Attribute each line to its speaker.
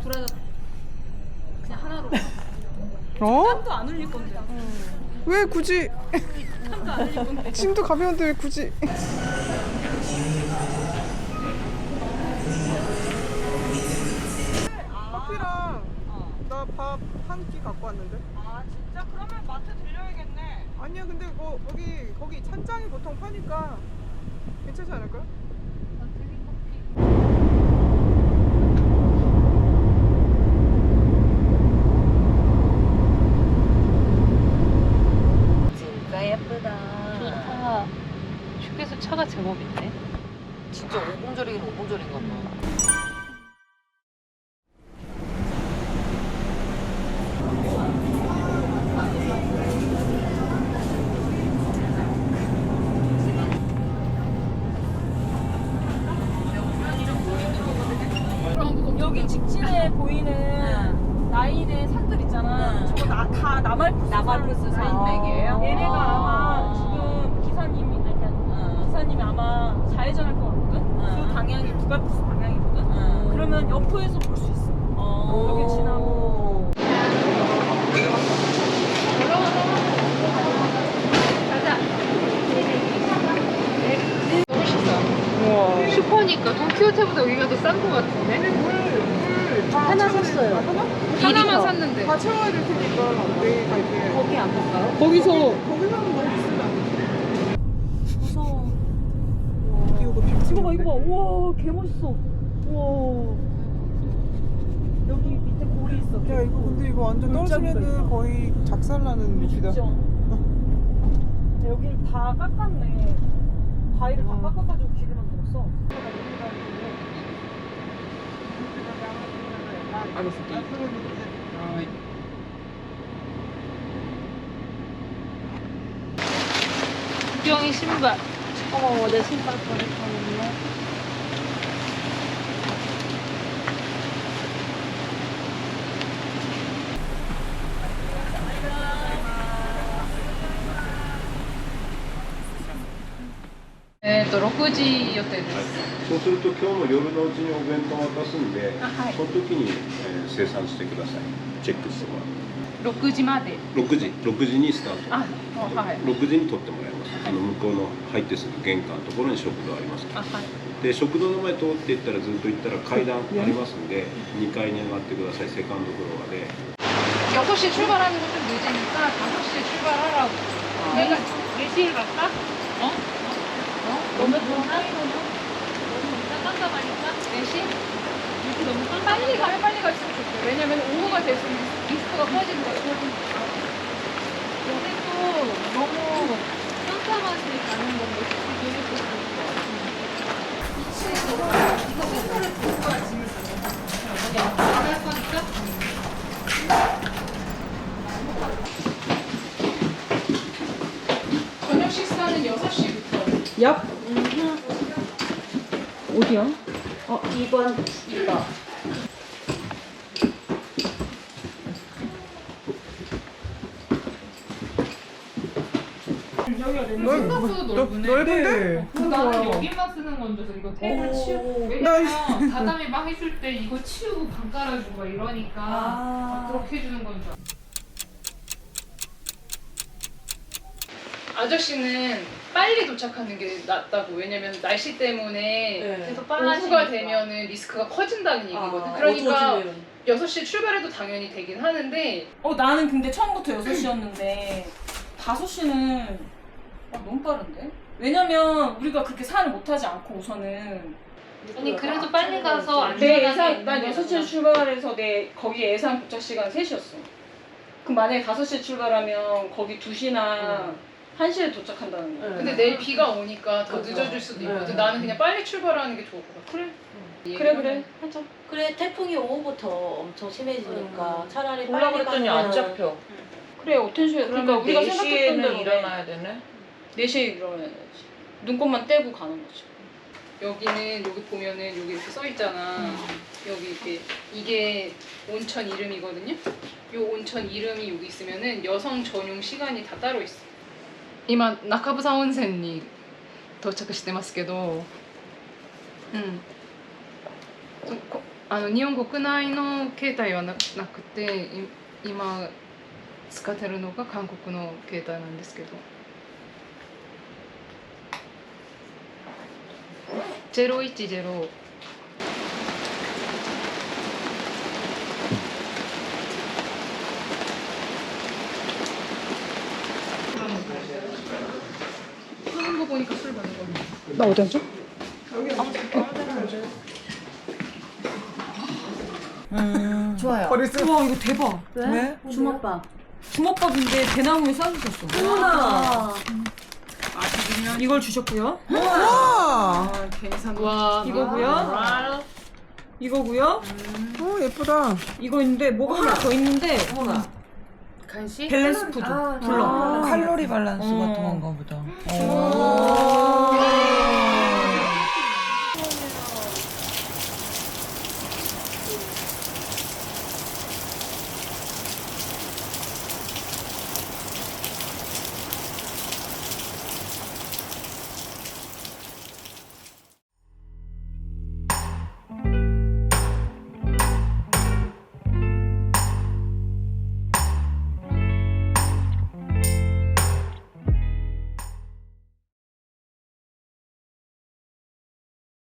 Speaker 1: 둘다 그냥 하나로.
Speaker 2: 어?
Speaker 1: 땀도 안 흘릴 건데.
Speaker 2: 왜 굳이?
Speaker 1: 땀도 안 흘릴 건데.
Speaker 2: 짐도 가벼운데 왜 굳이? 커피랑 나 밥 한 끼 갖고 왔는데.
Speaker 1: 아 진짜? 그러면 마트 들려야겠네.
Speaker 2: 아니야 근데 거기 찬장이 보통 파니까 괜찮지 않을까?
Speaker 3: 진짜 예쁘다.
Speaker 4: 좋다. 휴게소 차가 제법인데.
Speaker 3: 진짜 오공절이긴 오공절인가 봐.
Speaker 1: 여기 직진에 보이는 라인의 산들 있잖아. 저거 다 나말푸스
Speaker 3: 산맥이에요?
Speaker 1: 얘네가 아마 지금 기사님이 그러니까 기사님이 아마 좌회전할 것 같거든. 그 방향이 북알푸스 방향이거든. 그러면 여포에서 볼 수 있어. 여기 지나고.
Speaker 2: 우와.
Speaker 4: 슈퍼니까 돈키호테보다 여기가 더 싼 거 같은데? 하나 샀어요. 하나만 샀는데.
Speaker 2: 다 채워야 될 테니까 내일 갈게.
Speaker 3: 거기 안 볼까요?
Speaker 2: 거기서 너무 비싸다.
Speaker 1: 무서워.
Speaker 2: 이거 비
Speaker 1: 이거 봐, 이거 봐. 우와, 개 멋있어. 우와. 여기 밑에 골이 있어.
Speaker 2: 야 이거 근데 이거 완전
Speaker 1: 골짜기가
Speaker 2: 떨어지면은
Speaker 1: 있다.
Speaker 2: 거의 작살나는 밑이다.
Speaker 1: 여기를 다 깎았네. 바위를 다 깎아가지고 길을 만들었어.
Speaker 4: 구경이 신발. 어머, 내 신발 버렸다는데. 네, 또 6時予定です。
Speaker 5: そうすると今日の夜のうちにお弁当を渡すんで、その時に、生産してください。チェックしてもらう。
Speaker 4: 6時まで。
Speaker 5: 6時にスタート。
Speaker 4: あ、はい。
Speaker 5: 6時に取ってもらいます。向こうの入ってすぐ玄関のところに食堂ありますから。
Speaker 4: あ、はい。
Speaker 5: で食堂の前通っていったらずっと行ったら階段ありますんで、2階に上がってください。セカンドフロアで。
Speaker 4: 6시 출발하는 건 좀 늦으니까 5시에 출발하라고. 내가 4시에 갈까? 어? 너무 깜깜하니까? 깜깜하니까? 4시? 이렇게 너무 빨리 가면 빨리 갔으면 좋겠어요. 왜냐면 오후가 됐으면 리스크가 커지는 거죠. 근데 또 너무 깜깜하게 가는 건데 되게 좋을 것 같아요. 이거 페퍼를 들고 와야지. 안할 거니까? 저녁 식사는 6시부터.
Speaker 1: 얍. 어디야?
Speaker 3: 2번 이거.
Speaker 4: 생각보다 넓으네.
Speaker 2: 넓은데?
Speaker 4: 나는 여기만 쓰는 건 줄 알았어. 이거 테이블 치우고. 왜냐면 다다미 막 해줄 때 이거 치우고 방 깔아주고 막 이러니까 그렇게 해주는 건 줄 알았어. 아저씨는 빨리 도착하는 게 낫다고. 왜냐면 날씨 때문에
Speaker 3: 계속
Speaker 4: 오후가 되면은 리스크가 커진다는 얘기거든. 그러니까 6시 출발해도 당연히 되긴 하는데
Speaker 1: 나는 근데 처음부터 6시였는데 5시는 너무 빠른데? 왜냐면 우리가 그렇게 산을 못하지 않고 우선은
Speaker 4: 아니 그래도 빨리 가서
Speaker 1: 내
Speaker 4: 안전하게
Speaker 1: 예상 난 6시에 출발해서 내 거기 예상 도착 시간 3시였어. 그럼 만약에 5시에 출발하면 거기 2시나 1시에 도착한다는 거야.
Speaker 4: 근데 내일 비가 오니까 더 늦어질 수도 있거든. 나는 그냥 빨리 출발하는 게 좋을 것 같아.
Speaker 1: 그래 하자.
Speaker 3: 그래 태풍이 오후부터 엄청 심해지니까 차라리
Speaker 6: 보려고
Speaker 3: 빨리
Speaker 6: 했더니
Speaker 3: 가면
Speaker 6: 안 잡혀.
Speaker 1: 그래 어텐슈에 그러니까 우리가 생각했던 대로
Speaker 6: 일어나야 되네.
Speaker 1: 4시에 일어나야지. 눈곱만 떼고 가는 거지.
Speaker 4: 여기는 여기 보면은 여기 이렇게 써 있잖아. 여기 이렇게 이게 온천 이름이거든요. 요 온천 이름이 여기 있으면은 여성 전용 시간이 다 따로 있어. 今中房温泉に到着してますけど、こ日本国内の携帯はなくて、今使ってるのが韓国の携帯なんですけど。010。하는 거 보니까 술 받는 거.
Speaker 2: 나 어디 앉아?
Speaker 3: 좋아요.
Speaker 2: 머리 쓰.
Speaker 1: 와 이거 대박.
Speaker 2: 왜?
Speaker 3: 주먹밥.
Speaker 1: 주먹밥인데 대나무에 싸주셨어.
Speaker 3: 어머나.
Speaker 1: 이걸 주셨고요.
Speaker 2: 와.
Speaker 4: 와,
Speaker 1: 이거고요. 이거고요.
Speaker 2: 예쁘다.
Speaker 1: 이거 있는데 뭐가 하나 더 있는데
Speaker 3: 어머나.
Speaker 4: 간식?
Speaker 1: 밸런스 푸드. 불러.
Speaker 6: 칼로리 밸런스 같은 건가 보다.
Speaker 1: 오.